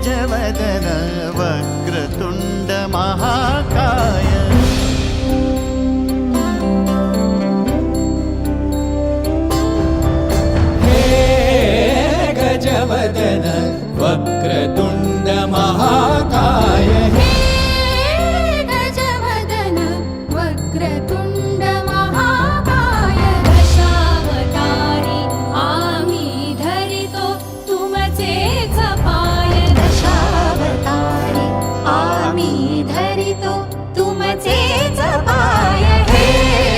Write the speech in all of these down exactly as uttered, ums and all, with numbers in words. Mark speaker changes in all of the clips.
Speaker 1: गजवदन वक्रतुण्ड महाकाय
Speaker 2: गजवदन वक्रतुण्ड महाकाय
Speaker 3: हे गजवदन वक्रतुण्ड महाकाय दशावतारी आम्ही धरितो तुमचेच पाय दशावतारी आम्ही धरितो तुमचेच पाय हे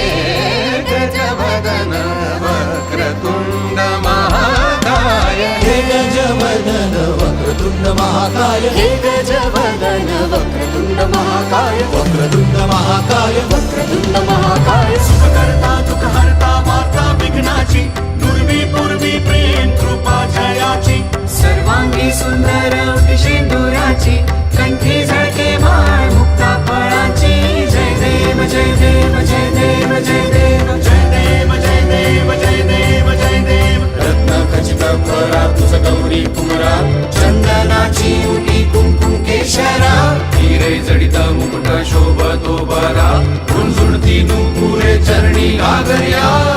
Speaker 1: गजवदन वक्रतुण्ड महाकाय
Speaker 2: हे गजवदन वक्रतुण्ड महाकाय
Speaker 3: हे गजवदन वक्रतुण्ड महाकाय
Speaker 2: वक्रतुण्ड महाकाय
Speaker 3: वक्रतुण्ड महाकाय
Speaker 1: सुखकर्ता दुःखहर्ता माता विघ्नाची दुर्वी पूर्वी प्रेम कृपा जयाची
Speaker 4: सर्वांगी सुंदर शेंदुराची कंठी झळके माळ मुक्ता फळाची जय देव जय देव जय देव जय देव
Speaker 1: जय देव जय देव जय देव जय देव
Speaker 2: रत्न खचित फरा तुझ गौरी कुमरा
Speaker 4: चंदनाची उटी कुंकुम केशरा
Speaker 2: हिरे जडित मुकुट शोभतो बरा झुणझुणती नुपुरे चरणी घागर्या